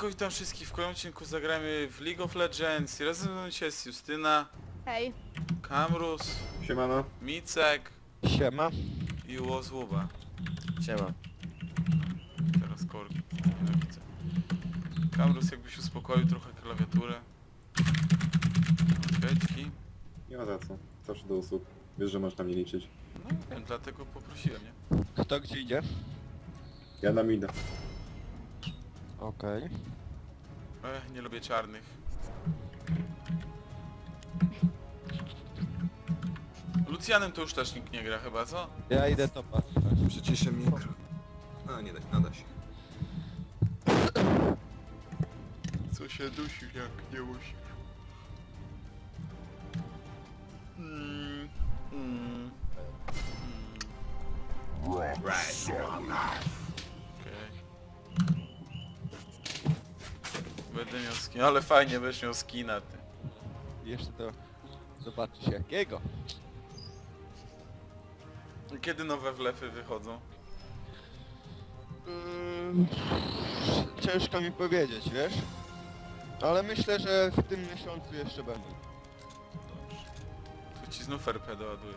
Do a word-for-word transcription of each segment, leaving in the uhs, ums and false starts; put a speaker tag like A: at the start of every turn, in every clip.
A: Siemanko, witam wszystkich w kolejnym odcinku. Zagramy w League of Legends. Razem ze mną dzisiaj jest Justyna,
B: Hej.
A: Kamrus,
C: Siemano.
A: Micek
D: Siema.
A: i Łozłuba.
D: Siema.
A: Teraz korki. Nienawidzę. Kamrus, jakbyś uspokoił trochę klawiaturę. Kwiatki.
C: Nie ma za co. Zawsze do usług. Wiesz, że możesz na mnie liczyć.
A: No wiem, dlatego poprosiłem, nie?
D: Kto gdzie idzie?
C: Ja nam idę.
D: Okej.
A: Ech, nie lubię czarnych. Lucianem to już też nikt nie gra chyba, co?
D: Ja idę to patrzeć.
E: Przyciszę mikro. A nie da, nada się.
A: Co się dusi, jak nie musi. Mm, mm, mm.
E: Right.
A: Okej. Będę miał skin, ale fajnie będziesz miał skina, ty.
D: Jeszcze to zobaczysz jakiego.
A: Kiedy nowe wlefy wychodzą?
D: Mm, ciężko mi powiedzieć, wiesz? Ale myślę, że w tym miesiącu jeszcze będą.
A: Dobrze. Tu ci znów R P doładuje.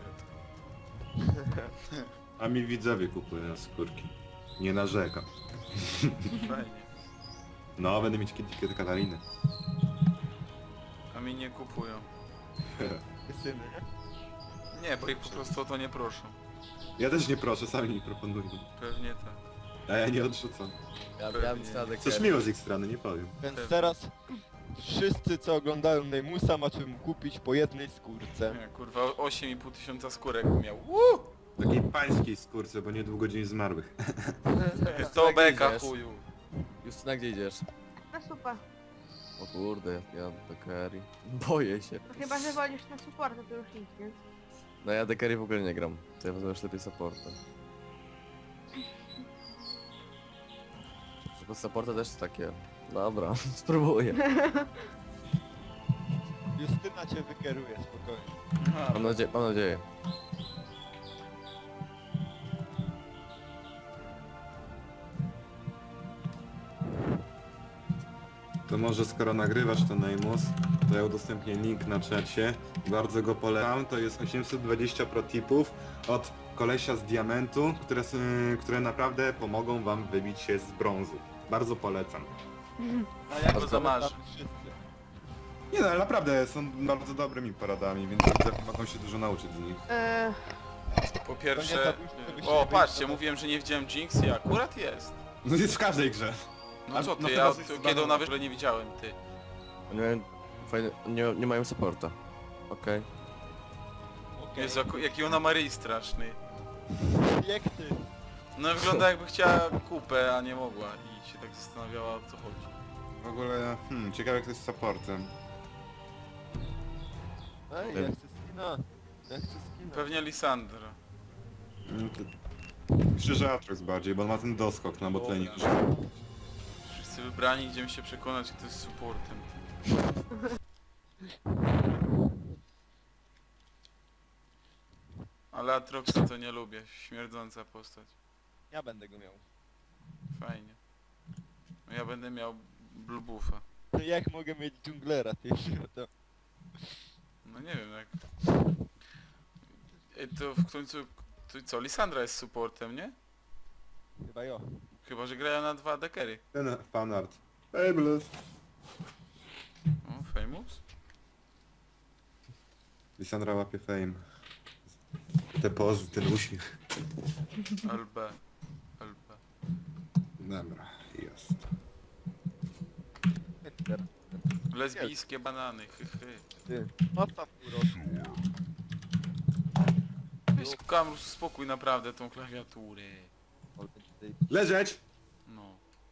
C: A mi widzowie kupują skórki. Nie narzekam.
A: Fajnie.
C: No, będę mieć kiedyś kiedy Katariny.
A: A mi nie kupują.
D: Syny, nie?
A: Nie, bo ich po prostu o to nie proszą.
C: Ja też nie proszę, sami mi proponują.
A: Pewnie tak.
C: A ja nie odrzucam.
F: Ja
A: Pewnie.
F: miałem stadek.
C: Coś miło z ich strony, nie powiem.
D: Więc
A: Pewnie.
D: teraz wszyscy co oglądają Neymusa macie mu kupić po jednej skórce.
A: Nie, kurwa, osiem i pół tysiąca skórek miał. Uuu!
C: Takiej pańskiej skórce, bo niedługo dzień zmarłych.
A: To beka
F: idziesz?
A: chuju.
F: Justyna, gdzie idziesz?
B: Na supa.
F: O kurde, ja do carry. Boję się.
B: No chyba, że wolisz na supporta, to już nic, więc...
F: No ja do carry w ogóle nie gram. To ja wezmę już lepiej supporta. Bo supporta też takie... Dobra, spróbuję.
D: Justyna cię wykieruje, spokojnie.
A: Aha,
F: Mam nadzieję, mam nadzieję.
C: To może skoro nagrywasz to Neymus, to ja udostępnię link na czacie. Bardzo go polecam. To jest osiemset dwadzieścia protipów od kolesia z diamentu, które, s- które naprawdę pomogą wam wybić się z brązu. Bardzo polecam.
D: A jak
A: to za masz?
D: wszyscy.
C: Nie no, ale naprawdę są bardzo dobrymi poradami, więc widzę, mogą się dużo nauczyć z nich.
B: Eee,
A: Po
D: To nie
A: pierwsze...
D: zabójstwo, to byście
A: O,
D: nie
A: patrzcie,
D: byli-
A: mówiłem, że nie widziałem Jinx i akurat jest.
C: No jest w każdej grze.
A: No
C: A-
A: co
C: no
A: ty,
C: chyba
A: ja
C: coś
A: to,
C: z
A: kiedy
C: baną-
A: ona wyszła nie widziałem, ty.
F: Nie, mają fajne, nie, nie mają supporta. Okej.
D: Okej.
A: Jezu, jak- jaki ona ma ryj straszny.
D: Jak ty?
A: No wygląda jakby chciała kupę, a nie mogła i się tak zastanawiała, o co chodzi.
C: W ogóle, hmm, ciekawe jak to jest z supportem.
D: Ej, ja chcę skina. Ja chcę skina.
A: Pewnie Lisandra.
C: Mm, to... Krzyża Atrox bardziej, bo on ma ten doskok na botlane.
A: Dobra. Wszyscy wybrani, idziemy się przekonać, kto jest supportem. Ale Atroxa to nie lubię, śmierdząca postać.
D: Ja będę go miał.
A: Fajnie. No ja będę miał Blue Buffa.
D: To jak mogę mieć dżunglera, ty to...
A: No nie wiem jak... Ej, to w końcu... To co, Lisandra jest supportem, nie?
D: Chyba jo.
A: Chyba, że grają na dwa dekery.
C: Ten fanart. Fabulous.
A: O, famous?
C: Lisandra łapie fame. Te pozy, ten uśmiech.
A: L B. L B.
C: Dobra, jest.
D: Peter,
A: Lesbijskie banany, hy, hy.
D: ty. Postaw uroczy.
A: Weź Kamrus, spokój naprawdę tą klawiaturę.
C: Leżeć!
A: No.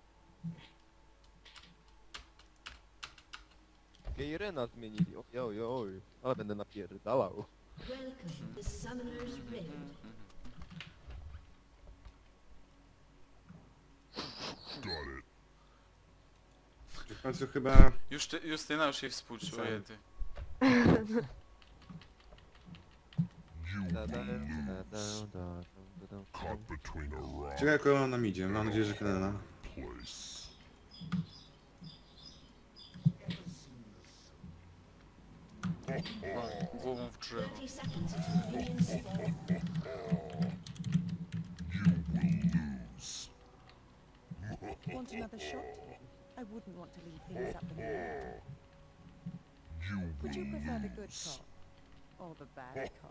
D: Gejrena zmienili, oj oj oj. Ale będę napierdalał.
G: Welcome to Summoner's Rift.
C: W końcu chyba...
A: Już ty, Justyna już jej współczuje, ty.
C: Czekaj, jak ona nam idzie. Mam nadzieję, że Helena.
A: O, głową w drzewo.
G: thirty seconds until minions spawn.
H: Want another shot? I wouldn't want to leave things up in the air. Would you prefer the good cop or the bad cop?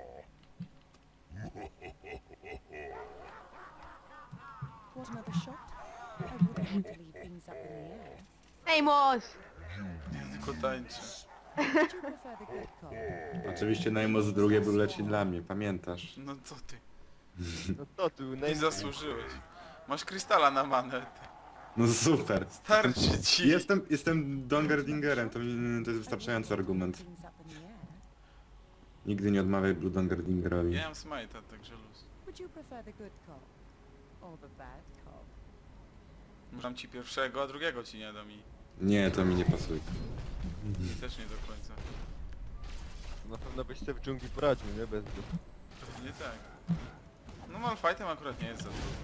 H: Want another shot? I wouldn't want to leave things up in the air.
B: Neymos!
A: Nie tylko tańczy.
H: Would you prefer the good cop?
C: Oczywiście Najmos drugie był leci dla mnie, pamiętasz?
A: No co ty?
D: No to tu,
A: Nie
D: naj...
A: zasłużyłeś. Masz krystala na manę.
C: No super.
A: Starczy ci.
C: Jestem, jestem Dongerdingerem, to, mi, to jest wystarczający argument.
H: Things up in the air.
C: Nigdy nie odmawiaj Blue Dongerdingerowi.
A: Ja mam smite'a, także luz.
H: Would you prefer the good cop or the bad cop?
A: Dam ci pierwszego, a drugiego ci nie dam i
C: Nie, to mi nie pasuje.
A: mi też nie do końca.
D: Na pewno byś sobie w dżungli poradził, nie? Bez dwóch.
A: Pewnie tak. No Malfightem akurat nie jest za trudno.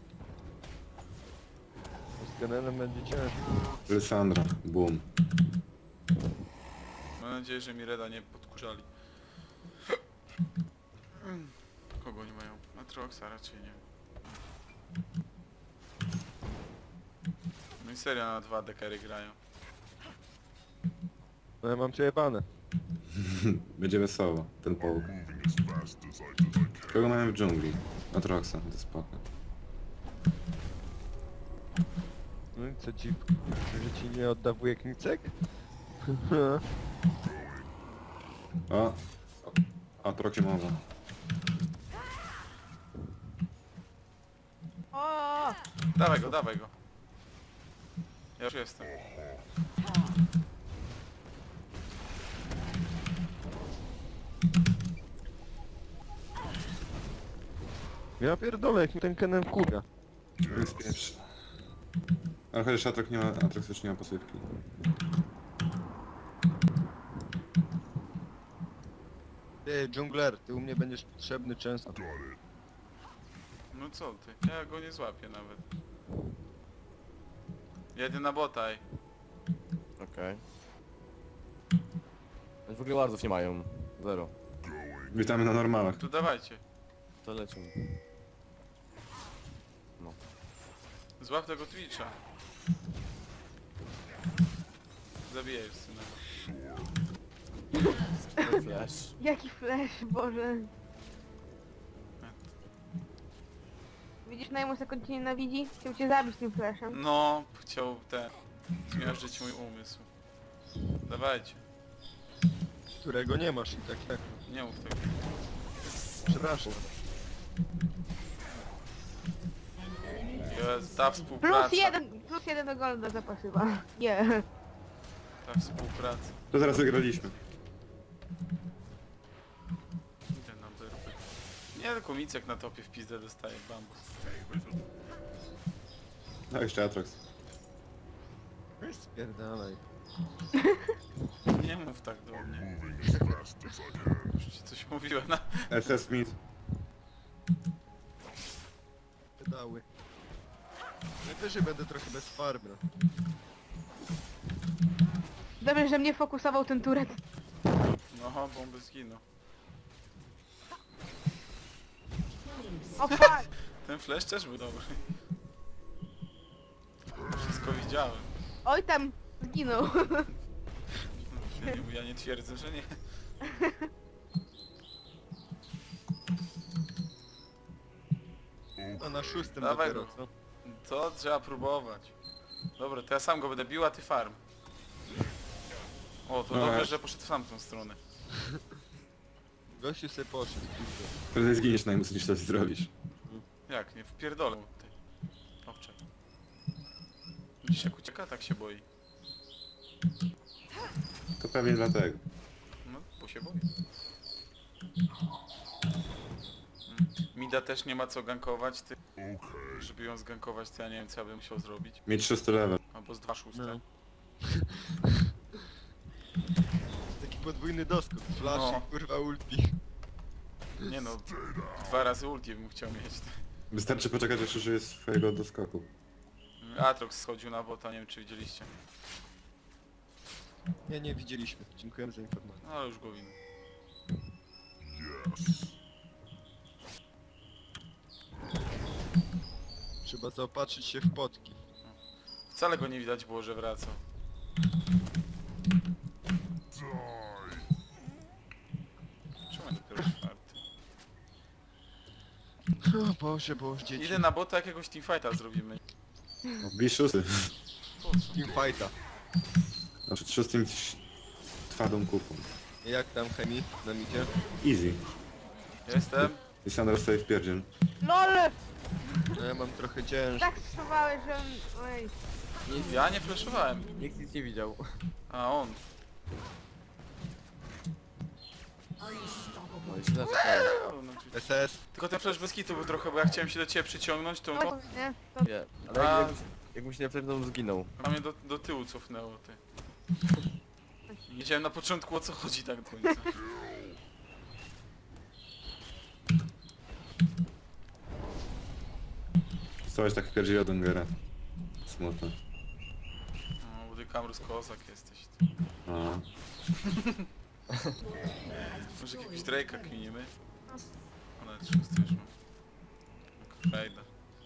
D: Z Kenenem będzie ciężko.
C: Lysandra, boom.
A: Mam nadzieję, że mi Reda nie podkurzali. Kogo nie mają? Atroxa raczej nie. No i serio na dwa dekery grają.
D: No ja mam przejebane.
C: Będzie wesoło, ten połóg. Kogo mamy w dżungli? Atroxa, to spoko.
D: No i co ci... Że ci nie odda wujek Micek?
C: O! O Atroxie mowa.
B: O!
A: Dawaj go, dawaj go. Ja już jestem.
D: Ja pierdolę, jak mi ten Kenem kurwa.
C: Jest pierwszy. Ale chociaż Atrox nie ma, Atrox już nie ma pasywki.
D: Ty, dżungler, ty u mnie będziesz potrzebny często.
A: No co ty? Ja go nie złapię nawet. Jedę na botaj.
F: Okej. W ogóle wardów nie mają. Zero.
C: Witamy na normalach.
A: To dawajcie.
F: To lecimy. No.
A: Złap tego Twitcha. Zabijaj syna.
F: Flash.
B: Jaki flash, Boże. Widzisz, Neymos jak on cię nienawidzi? Chciał cię zabić tym flashem.
A: No, chciał ten... zmiażdżyć mój umysł. Dawajcie.
D: Którego nie masz i tak jak...
A: Nie mów tego.
D: Przepraszam.
A: Jest ta współpraca.
B: Plus jeden, plus jeden do golda zapasywa. Nie.
A: Ta współpraca.
C: To zaraz wygraliśmy.
A: Idę na derby. Nie, tylko Micek na topie w pizdę dostaje bambus.
C: No jeszcze Atrox.
D: Spierdalaj.
A: Nie mów tak do mnie. Już ci coś mówiłem na...
C: S S Smith.
D: Pedały. Najwyżej będę trochę bez farby. No.
B: Dobrze, że mnie fokusował ten turet.
A: No, bomby zginął.
B: O fuck!
A: Ten flash też był dobry. Wszystko widziałem.
B: Oj tam, zginął.
A: Ja nie, ja nie twierdzę, że nie.
D: A na szóstym
A: Dawaj
D: dopiero,
A: go.
D: co?
A: To trzeba próbować. Dobra, to ja sam go będę bił, a ty farm. O, to
C: No,
A: dobrze,
C: ja-
A: że poszedł w tamtą stronę.
D: Gościu sobie poszedł, kurde.
C: Prędzej zginiesz Najmus niż coś zrobisz.
A: Jak, nie wpierdolę mu ty. Owcze. Widzisz jak ucieka? Tak się boi.
C: To pewnie dlatego.
A: No, bo się boi. Mm. Mida też nie ma co gankować, ty. Żeby ją zgankować, to ja nie wiem co ja bym musiał zrobić.
C: Mieć szósty level.
A: Albo z dwa szóste.
D: No. Taki podwójny doskok. Flash
A: No.
D: i kurwa ulti.
A: Nie no, dwa razy ulti bym chciał mieć.
C: Wystarczy poczekać aż użyje swojego doskoku.
A: Atrox schodził na bota, nie wiem czy widzieliście.
D: Nie, nie widzieliśmy. Dziękujemy za informację.
A: No ale już go winę.
D: Trzeba zaopatrzyć się w potki.
A: Wcale go nie widać było, że wraca. Czemu nie dopiero czwarty?
D: O Boże, Boże, dzieci.
A: Idę na bota, jakiegoś teamfighta zrobimy.
C: Bij szósty.
A: Po co?
D: Teamfighta.
C: Znaczy szóstym twardą kupą.
D: Jak tam chemii na micie?
C: Easy.
A: Jestem.
C: I Sandra stoi w pierdziel.
B: LOL!
D: No ja mam trochę ciężko.
B: Tak strzelałeś, że... Oj.
A: Ja nie flashowałem.
F: Nikt nic nie widział.
A: A on.
F: No i się zaczekałem.
A: O, no, czyli-
D: S S.
A: Tylko ten flash bez kitu był trochę, bo ja chciałem się do ciebie przyciągnąć, to
B: No, nie? To...
F: Nie, ale
A: A.
F: jak, jakbyś, jakbym się nie przepnął, zginął.
A: a mnie do, do tyłu cofnęło, ty. Nie wiedziałem na początku, o co chodzi tak do końca.
C: Stałeś tak w pierdziel od Ungera. Smutno.
A: No, Woody Kamrus kozak jesteś. Ty.
C: A.
A: Może jakiegoś Drake'a kminimy? O, nawet szósty już mam. Frajda.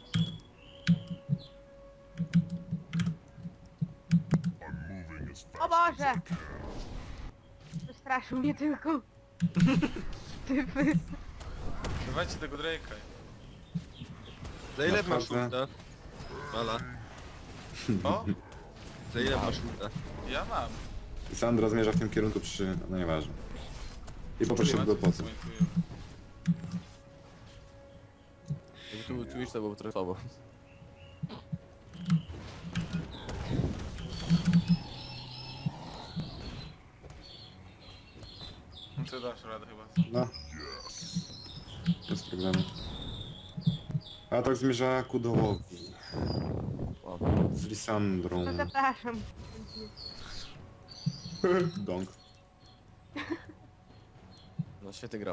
B: O Boże! Wystraszył mnie tylko. Typy.
A: Dawajcie tego Drake'a.
D: Za ile masz
C: Naprawdę?
D: ulta? Mala.
A: O,
D: Za ile masz ulta?
A: ja mam.
C: I Sandra zmierza w tym kierunku przy... no nieważne. I poprosił go po co.
F: Jakby tu był Twitch, to byłoby trochę słabo.
A: No to dasz radę chyba.
C: No. Bez problemu. A tak zmierza ku dołowi.
F: O,
C: Z Lisandrą.
B: No zapraszam.
C: Dong.
F: no świetny grab.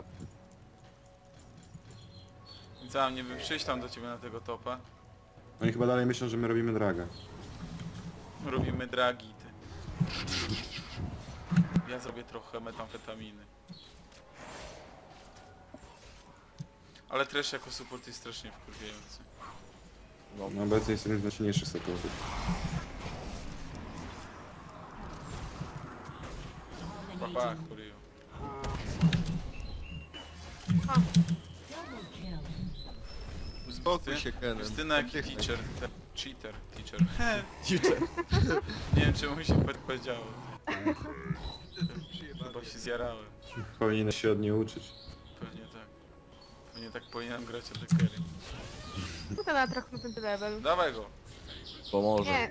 A: I co, nie bym przyjść tam do ciebie na tego topa.
C: Oni chyba dalej myślą, że my robimy draga.
A: Robimy dragi, ty. Ja zrobię trochę metamfetaminy. Ale trash jako support jest strasznie wkurwiający.
F: No,
C: No obecnie jest jeden z najsilniejszych supportów.
A: Papa, kurio.
D: Spokój się, Kenan.
A: Justyna jaki
D: Oddychaj.
A: teacher. Te, cheater, teacher.
F: Teacher.
A: Nie wiem czemu mi się pe- powiedziało. Chyba się zjarałem.
C: Powinien się od niej uczyć.
A: Pewnie tak. Pewnie tak powinienem grać od Dekery.
B: No to na trochę na ten level.
A: Dawaj go.
F: Pomoże.
B: Nie.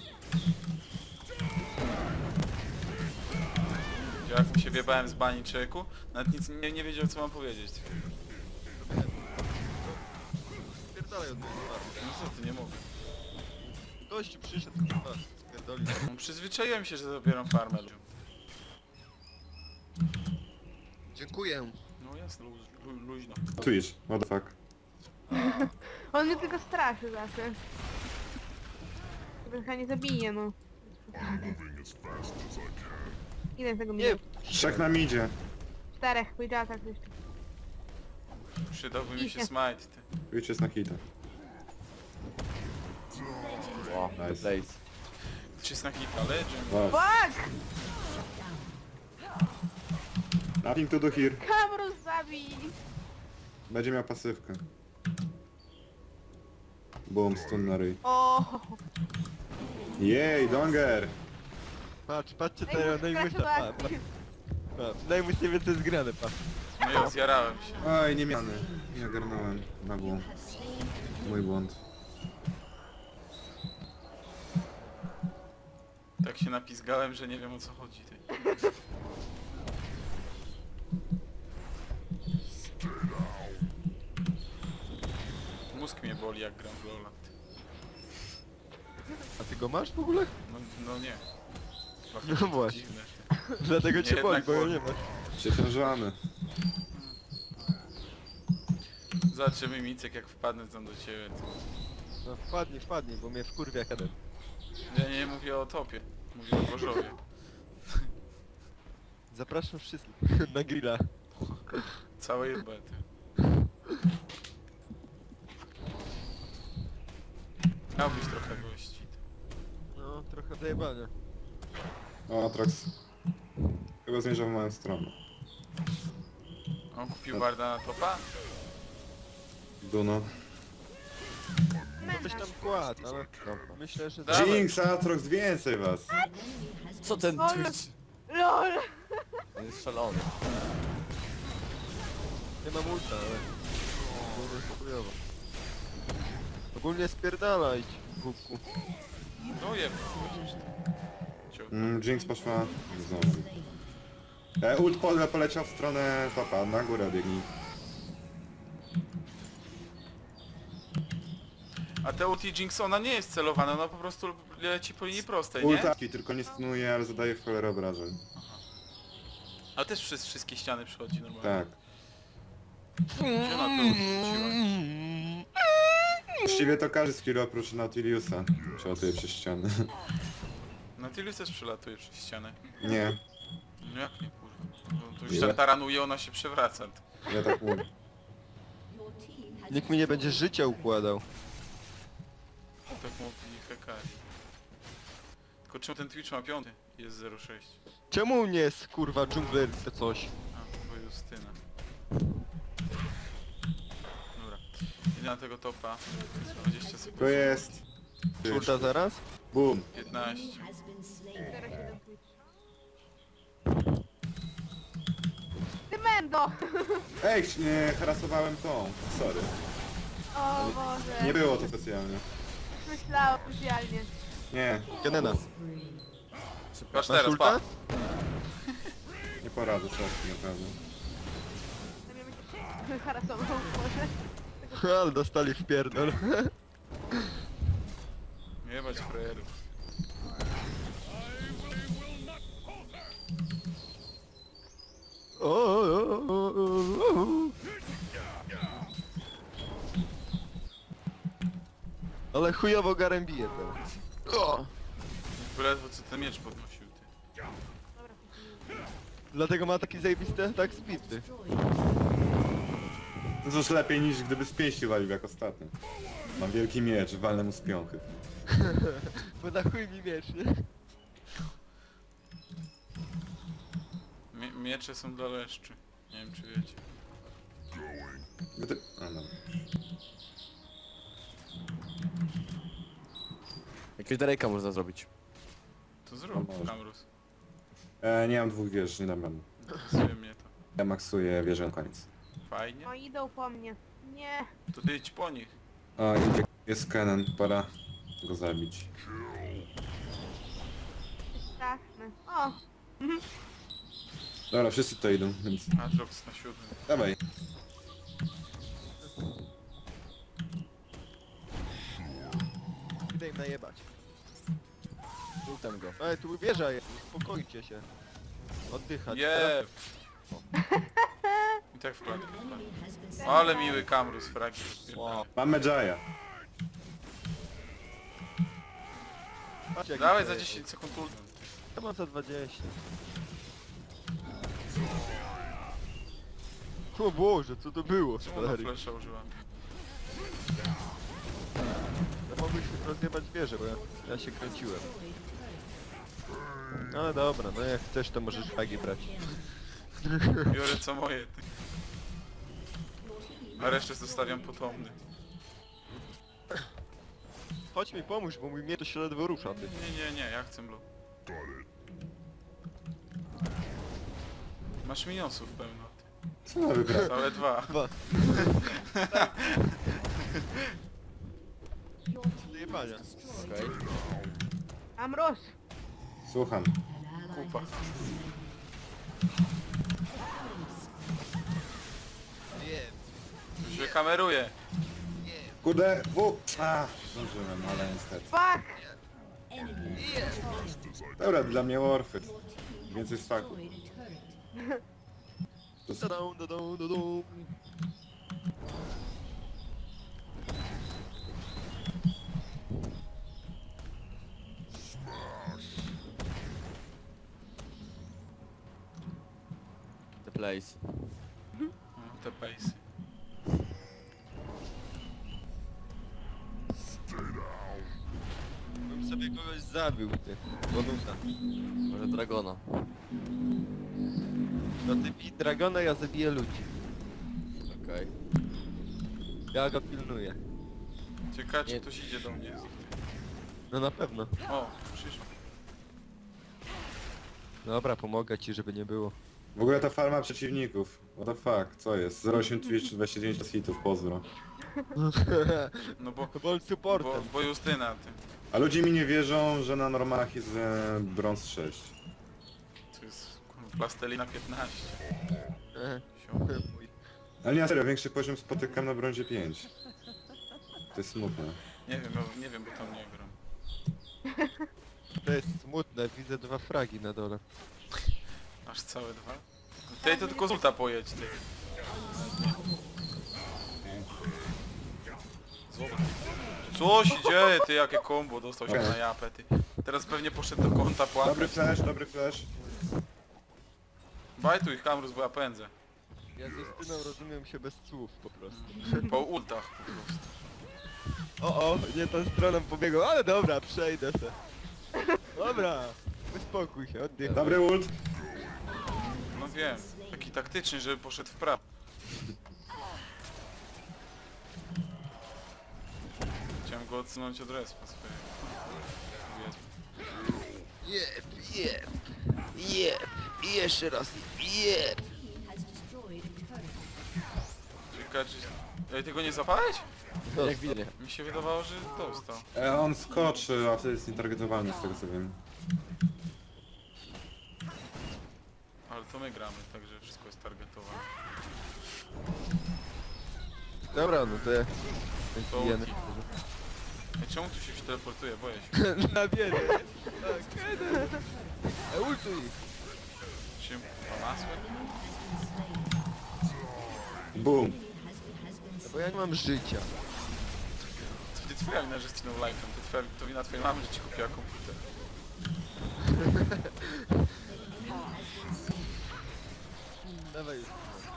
A: Jak mu się wjebałem z bani człowieku, nawet nic nie, nie wiedział co mam powiedzieć.
D: Spierdalaj od mojej twarzy.
A: No co ty, nie mogę.
D: Gościu przyszedł, kurwa, spierdolił.
A: No, przyzwyczaiłem się, że zabieram farmę.
D: Dziękuję.
A: No jasne, lu, lu, luźno.
C: Twitch, what the fuck.
B: On mnie tylko straszy zawsze. Chyba nie zabije, no. Ile tego
D: Nie,
B: minut?
C: Trzech nam idzie.
B: Czterech, powiedziała tak jeszcze.
A: Przydałby mi się
B: Idzie.
A: smite, ty.
C: Twitch jest na hita.
F: O,
C: Nice.
F: nice. Blaze.
A: Czy jest na hita, legend.
C: Wow.
B: Fuck!
C: Nothing to do here.
B: Kamrus zabij!
C: Będzie miał pasywkę. Boom, stun na ryj.
B: O.
C: Jej, Donger!
D: patrz, patrzcie
B: Ej,
D: teraz,
B: muszę
D: najmuś
B: grać
D: na...
B: w
D: pa-
B: akcji.
D: pa- Przynajmniej się więcej zgrane, patrz.
A: No ja zjarałem się.
C: Oj, nie miany. Nie ogarnąłem. Na błąd. Mój błąd.
A: Tak się napizgałem, że nie wiem o co chodzi, ty. Mózg mnie boli jak gram w Lola. ty.
D: A ty go masz w ogóle?
A: No, no nie. Trochę
D: No
A: to
D: właśnie.
A: dziwne.
D: Dlatego
A: Nie,
D: cię boli,
A: jednak
D: bo ja
A: boli.
D: nie masz.
C: Przeciążamy.
A: Zobaczymy Micek jak wpadnę tam do ciebie. To...
D: No wpadnij, wpadnij, bo mnie wkurwia kadet.
A: Ja nie mówię o topie. Mówię o Gorzowie.
D: Zapraszam wszystkich na grilla.
A: Całej bety. Miałbyś trochę gości.
D: No, trochę zajebania.
C: O, Atrox. Chyba zmierza w moją stronę.
A: On kupił Warda na topa?
C: Duno.
D: No coś tam kładł, ale myślę, że...
A: Dawaj.
C: Jinx, Atrox, więcej was!
F: Co ten
B: Ale-
F: Twitch?
B: LOL!
F: On jest szalony.
D: Nie mam ulta, ale... Ogólnie jest chujowo. Ogólnie spierdalać, głupku.
A: No jeb. Ciu.
C: Mm, Jinx poszła znowu. E, ult pole poleciał w stronę topa, na górę biegnij.
A: A te ulti Jinx, ona nie jest celowana, ona po prostu leci po linii prostej, nie?
C: Ultaki, tylko nie stunuje, ale zadaje w cholerę obrażeń.
A: A też przez wszystkie ściany przychodzi normalnie.
C: Tak.
A: Gdzie ona to rzuciła?
C: Właściwie to każdy skill oprócz Nautiliusa przelatuje przez ściany.
A: Nautilus też przelatuje przez ścianę.
C: Nie,
A: No jak nie kurwa? No to już
C: Ile?
A: tak taranuje, ona się przewraca.
C: ja tak mówię.
D: Nikt mi nie będzie życia układał.
A: Tak mówi Hekari. Tylko czemu ten Twitch ma piąty? Jest zero sześć.
D: Czemu nie jest kurwa dżungler czy coś?
A: A, to Justyna. Dobra. Idę na tego topa. dwadzieścia sekund.
C: To jest...
D: Ulta zaraz?
C: Boom.
A: piętnaście.
B: Teraz się ten Twitch. Ty Mendo!
C: Ej, nie, harasowałem tą. Sorry.
B: O Boże.
C: Nie było to specjalnie.
B: Myślałam specjalnie.
C: Nie,
D: Genena.
A: Patrz
D: Masz
A: teraz,
D: ulta?
A: pa!
C: nie poradzę czasem, naprawdę.
B: To mnie harasował, Boże.
D: Ale dostali w pierdol.
A: Jebać frajerów.
D: O, o, o, o, o. Ale chujowo Garen bije teraz. O!
A: Jakby ledwo co ten miecz podnosił, ty.
D: Dlatego ma taki zajebisty atak speed.
C: To coś lepiej niż gdyby z pięści walił jak ostatnio. Mam wielki miecz, walnę mu z piąchy.
D: Bo na chuj mi miecz, nie?
A: Mie miecze są dla leszczy. Nie wiem czy wiecie.
C: Gdy... A, dobra.
F: Jakiegoś Drake'a można zrobić.
A: To zrób,
C: A może.
A: Kamrus.
C: E, nie mam dwóch wież, nie dam rady.
A: Interesuje mnie to.
C: Ja maksuję wieżę na koniec.
A: Fajnie.
B: No idą po mnie. Nie.
A: To ty idź po nich.
C: O, idzie, jest Kennen, pora go zabić.
B: Straszne. O!
C: Dobra, wszyscy to idą, więc
A: Atrox na siódmym.
C: dawaj.
D: Idę im najebać.
F: Ultem go.
D: Ale tu wieża jest, uspokójcie się. Oddychać.
A: Jeb! I tak wkładkę wkładkę. Ale miły Kamrus, fragi.
F: Wow.
C: Mamy Jaya.
D: Patrz, jaki
A: Dawaj
D: to
A: za
D: jest.
A: dziesięć sekund ult.
D: Ja mam za dwadzieścia. O Boże, co to było,
A: Czemu ona
D: stary?
A: flesza użyła?
D: Ja mogłem się rozjebać wieżę, bo ja, ja się kręciłem. Ale dobra, no jak chcesz to możesz flagi brać.
A: Biorę co moje, ty. A resztę zostawiam potomny.
D: Chodź mi pomóż, bo mój mnie to się ledwo rusza, ty.
A: Nie, nie, nie, ja chcę blue. Masz minionsów pełno, ty.
C: Co ma wygrać?
A: Całe dwa.
D: Dwa. Zajebania.
F: Okej.
B: Amros!
C: Słucham.
A: Kupa. Już wykameruję.
C: Kurde, w... A, zdążyłem, ale niestety.
B: Fuck!
C: Dobra, dla mnie Warfy. Więcej swaku. To s-
D: Da-dum, da-dum, da-dum.
F: place.
A: No, te pejsy.
D: Bym sobie kogoś zabił, ty. Bonusa.
F: Może Dragona.
D: No ty bij Dragona, ja zabiję ludzi.
F: Okej.
D: Ja go pilnuję.
A: Ciekawe czy
F: Nie.
A: ktoś idzie do mnie z ich tych.
D: No na pewno.
A: O, przyszło.
D: Dobra, pomogę ci, żeby nie było.
C: W ogóle ta farma przeciwników. What the fuck, co jest? zero osiem Twitch, dwadzieścia dziewięć hitów, pozdro.
A: No bo,
D: Bo on
A: bo,
D: supportem.
A: bo Justyna, ty.
C: A ludzie mi nie wierzą, że na normalach jest e, brąz sześć.
A: To jest kurwa, plastelina piętnaście.
D: E,
A: Sio.
D: mój.
C: Ale nie, serio, większy poziom spotykam na brązie pięć. To jest smutne.
A: Nie wiem, no, nie wiem, bo tam nie gram.
D: To jest smutne, widzę dwa fragi na dole.
A: Aż całe dwa? Ty to tylko z ulta pojedź, ty. Zobacz. Co się dzieje, ty, jakie kombo dostał się
C: Okej.
A: na japę, ty. Teraz pewnie poszedł do konta płakać.
C: Dobry flash, dobry flash.
A: Bajtuj ich, Kamrus, bo ja pędzę.
D: Ja z Justyną rozumiem się bez słów po prostu.
A: Po ultach po prostu.
D: O, o, nie tą stroną pobiegł, ale dobra, przejdę se. Dobra, uspokój się, oddychaj.
C: Dobry ult.
A: No wiem, taki taktyczny, żeby poszedł w prawo. Chciałem go odsunąć od respa swojego.
D: Jeb, jeb, jeb, i jeszcze raz, jeb.
A: Ciekawe, czy... Ej, ty go nie zapałeś?
F: Jak widzę.
A: Mi się wydawało, że dostał.
C: E, on skoczy, a to jest nietargetowalny z tego co wiem.
A: Ale to my gramy, także wszystko jest targetowane.
D: Dobra, no to ja...
A: To
D: Jemy.
A: ulti. Ej, czemu tu się ktoś teleportuje? Boję się.
D: Na biedę. Tak. E, ultuj.
A: Czy ma masłem?
C: Boom.
D: No bo ja nie mam życia.
A: To nie twoja wina, że skinął life'em, to, twoja, to wina twojej mamy, że ci kupiła komputer.
D: Dawaj już.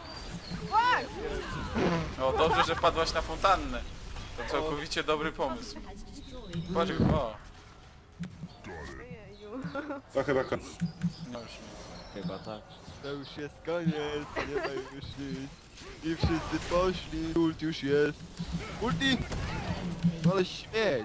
A: O, dobrze, że wpadłaś na fontannę. To całkowicie dobry pomysł. Patrz, o.
B: Jeju.
C: To chyba koniec.
A: No już nie.
F: Chyba tak.
D: To już jest koniec, nie ma już nic. I wszyscy poszli, ult już jest. Ulti! Ale śmieć!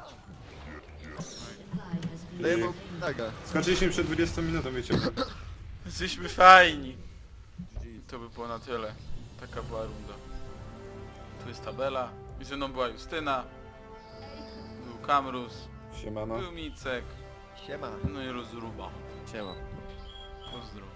D: Daję mu naga.
C: Skoczyliśmy przed dwudziestą minutą, wiecie.
A: Jesteśmy fajni. To by było na tyle. Taka była runda. Tu jest tabela. I ze mną była Justyna. Był Kamrus.
C: Siemano.
A: Był Micek.
D: Siema.
A: No i Rozruba.
F: Siema.
A: Pozdro.